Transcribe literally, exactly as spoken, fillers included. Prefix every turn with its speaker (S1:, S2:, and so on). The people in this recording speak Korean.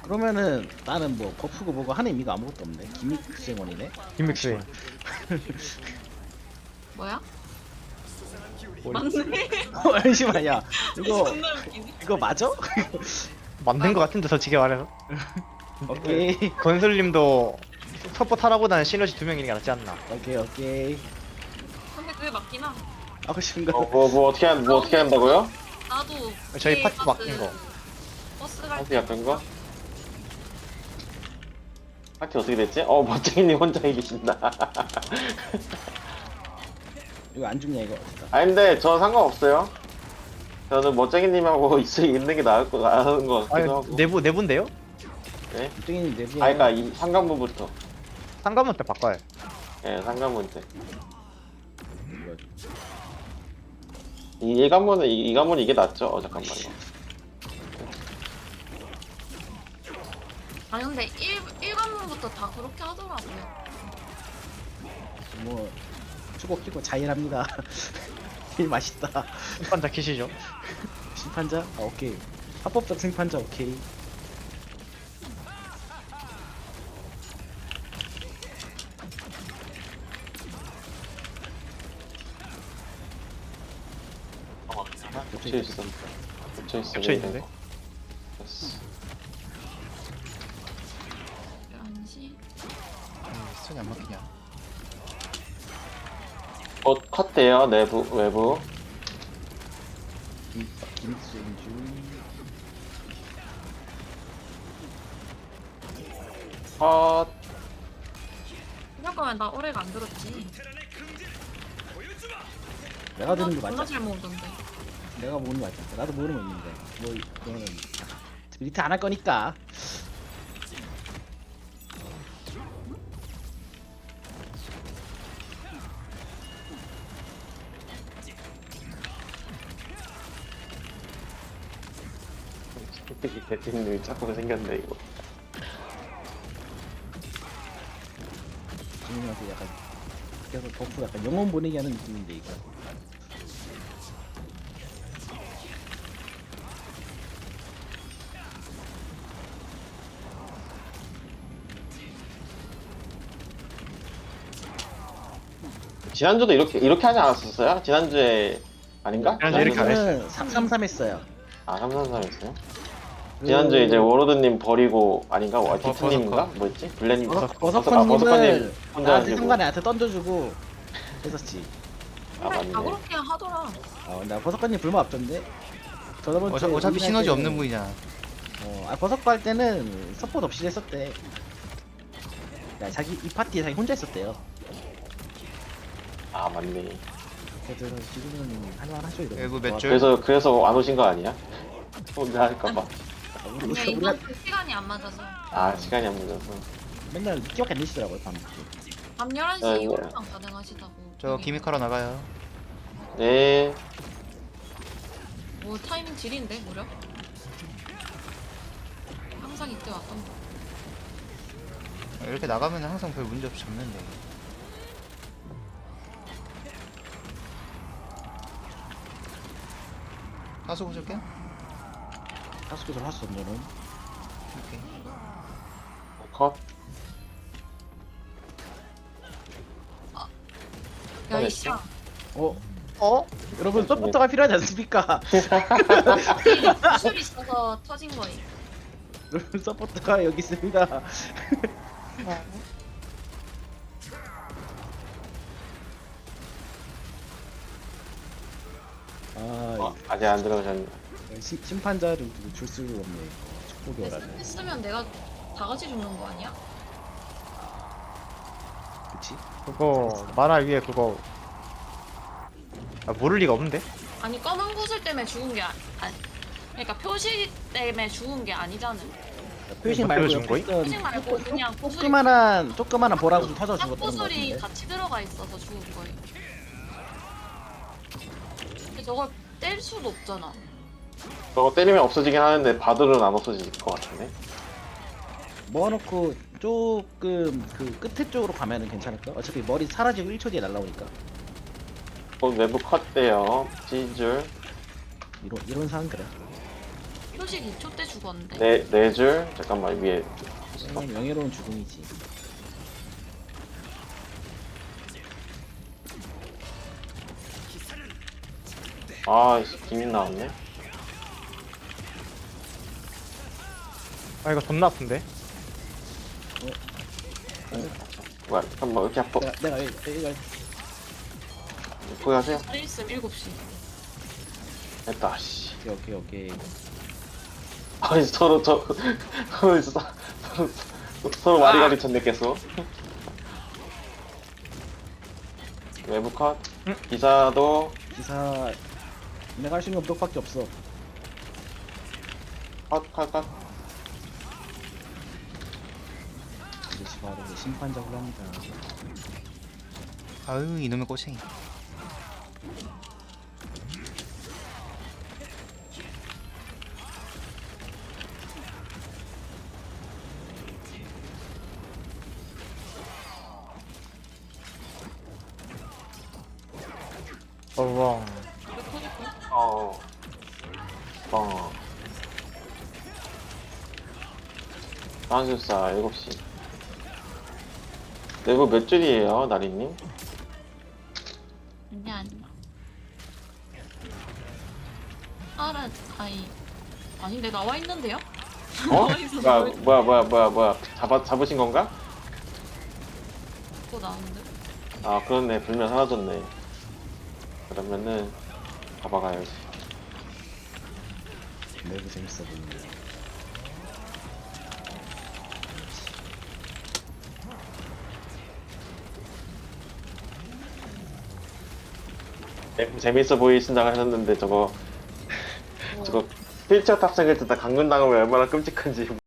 S1: 그러면은 나는 뭐 버프고 뭐고 하는 의미가 아무것도 없네. 기믹 생원이네.
S2: 김믹스.
S3: 뭐야?
S2: 뭘
S3: 맞네.
S1: 어, 잠시만요. 이거
S3: 존나 웃기네.
S1: 이거 맞아?
S2: 만든 거 같은데 솔직히 말해서.
S1: 오케이
S2: 건슬님도 서포트 하라보다는 시너지 두 명이 낫지 않나.
S1: 오케이 오케이.
S3: 근데 그게 맞긴 함.
S1: 하고 싶은 거.
S4: 어, 뭐, 뭐 어떻게 한, 뭐 어떻게 한다고요?
S3: 나도
S2: 저희
S3: K
S2: 파티
S3: 카드
S2: 맡긴 거.
S3: 버스 갈
S4: 파티
S3: 때
S4: 같은 거? 파티 어떻게 됐지? 어, 멋쟁이님 혼자 이기신다.
S1: 이거 안 죽냐 이거.
S4: 아, 근데 저 상관없어요. 저는 멋쟁이님하고 있, 있는 게 나을 거, 나은 거
S2: 아니
S4: 같기도 하고.
S2: 내부 내부인데요?
S4: 네?
S1: 뚱이님 내부에.
S4: 아, 그니까 이 상관문부터.
S2: 상관문 때 바꿔요.
S4: 예, 상관문 때. 이, 이 관문은, 이, 이 관문은 이게 낫죠? 어, 잠깐만요.
S3: 아 근데 일, 일관문부터 다 그렇게 하더라고요.
S1: 뭐 추고 끼고 자일합니다. 일 맛있다.
S2: 심판자 키시죠.
S1: 심판자? 아 오케이. 합법적 심판자 오케이.
S4: 어, 겹쳐 있어. 겹쳐 있어.
S2: 겹쳐 있는데?
S4: 됐어.
S3: 열한 시.
S2: 손이 안 막히냐?
S4: 어, 컷돼요, 내부, 외부.
S1: 김 김승주.
S4: 컷.
S3: 이럴 거면 나 오래가 안 들었지.
S1: 내가 드는 게
S3: 존나
S1: 맞지?
S3: 잘 모으던데.
S1: 내가 모르는 거 맞지? 나도 모르는 거 있는데. 뭐 이거는 스피리트 안 할 거니까.
S4: 이 대표님이 자꾸 생겼네, 이거.
S1: 지금이라서 약간 계속 버프 약간 영혼 보내기 하는 느낌인데 이거.
S4: 지난주도 이렇게, 이렇게 하지 않았었어요? 지난주에, 아닌가?
S2: 지난주에 이렇게 안
S4: 지난주에?
S1: 삼 삼 삼 했어요.
S4: 아, 삼삼삼 했어요?
S1: 그
S4: 지난주에 이제 워로드님 버리고, 아닌가? 와,
S2: 버-
S4: 디트님인가?
S2: 버서커.
S4: 뭐였지? 블렌,
S1: 버섯
S4: 아, 버서커님
S1: 버섯커님을
S4: 혼자
S1: 나한테
S4: 하시고.
S1: 상관에 나한테 던져주고 했었지.
S4: 아,
S3: 그래 다
S4: 맞네.
S3: 그렇게 하더라.
S1: 아, 나 버섯커님 불만 없던데. 저번
S5: 어차,
S1: 주에
S5: 어차피
S1: 우리
S5: 시너지
S1: 할
S5: 없는
S1: 때는-
S5: 분이잖아.
S1: 어, 아 버섯거 할 때는 서포트 없이 했었대. 야, 자기 이 파티에 자기 혼자 있었대요.
S4: 아, 맞네.
S1: 그래서 지금은 할만하죠 이러면.
S5: 외부 몇
S1: 와,
S5: 줄?
S4: 그래서, 그래서 안 오신 거 아니야? 혼자 할까봐.
S1: 우리,
S3: 아니야
S1: 우리, 우리가
S3: 이번 주 시간이 안 맞아서.
S4: 아, 시간이 안 늦어서.
S1: 맨날 늦게밖에 안 되시더라고요 밤 늦게.
S3: 밤 열한 시
S4: 네,
S3: 이후로만 가능하시다고.
S5: 저 기믹하러 나가요.
S4: 네.
S3: 뭐 타이밍 질인데 무려? 항상 이때 왔던 거.
S5: 이렇게 나가면 항상 별 문제 없이 잡는데. 하수 보실게.
S1: 하수구설 하수 던져는.
S5: 오케이.
S4: 컷.
S3: 야 이씨야.
S1: 어?
S2: 어?
S1: 여러분 서포터가 필요하지 않습니까?
S3: 구슬이 있어서 터진 거임.
S1: 여러분 서포터가 여기 있습니다. 아,
S4: 어, 아직 안 들어오셨네.
S1: 이 시, 심판자를 두고 줄 수가 없네. 이거. 축복이 오라네.
S3: 했으면 내가 다 같이 죽는 거 아니야?
S1: 그치?
S2: 그거 만화 위에 그거 아, 모를 리가 없는데?
S3: 아니 검은 구슬 때문에 죽은 게 아, 아니. 그러니까 표시 때문에 죽은 게 아니잖아.
S1: 표식
S2: 뭐
S1: 말고
S2: 준
S1: 옆에
S2: 거임?
S1: 있던
S3: 표식 말고 그냥 구슬이
S1: 조그만한 조그만한 보라고 터져
S3: 딱
S1: 죽었던 거
S3: 구슬이
S1: 같은데.
S3: 같이 들어가 있어서 죽은 거예요. 근데 저걸 뗄 수도 없잖아.
S4: 저거 때리면 없어지긴 하는데 바들은 안 없어질 것 같은데.
S1: 모아놓고 조금 그 끝에 쪽으로 가면은 괜찮을까? 어차피 머리 사라지고 일 초 뒤에 날라오니까.
S4: 곧 외부 컷 돼요. 찢을.
S1: 이런 이런 상황 그래.
S3: 표시 표식 이 초 때 죽었는데.
S4: 네, 네 줄. 잠깐만, 위에.
S1: 네, 명예로운 죽음이지.
S4: 아, 김인 나왔네.
S2: 아 이거 존나 아픈데?
S4: 뭐야, 잠깐만, 왜 이렇게 아파?
S1: 내가 내가 이거 이거
S4: 거기 가세요.
S3: 자리 있음 일곱 시.
S4: 됐다, 씨.
S1: 오케이 오케이 오케이.
S4: 아니, 서로, 저, 서로, 서로, 서로, 서로 와리가리 쳤네, 계속. 외부 컷. 기사도
S1: 기사 내가 할 수 있는 건 무력밖에 없어.
S4: 컷, 컷, 컷.
S1: 이것이 바로 심판작을 합니다.
S5: 아유 이놈의 꼬챙이.
S2: 어왕.
S3: 이거 터졌고.
S4: 어. 어. 한술사 일곱 시. 내부 몇 줄이에요, 나리님?
S3: 아니 아니야. 알아 아이. 아닌데 나와 있는데요?
S4: 어?
S3: 나와 있어.
S4: 뭐야, 뭐야, 뭐야, 뭐야, 뭐야. 잡아, 잡으신 건가?
S3: 또 나오는데.
S4: 아, 그렇네. 불면 사라졌네. 그러면은, 가봐가야지.
S1: 매우 재밌어 보이네.
S4: 네, 재밌어 보이신다고 하셨는데, 저거, 저거, 필처 탑승을 듣다 강근당하면 얼마나 끔찍한지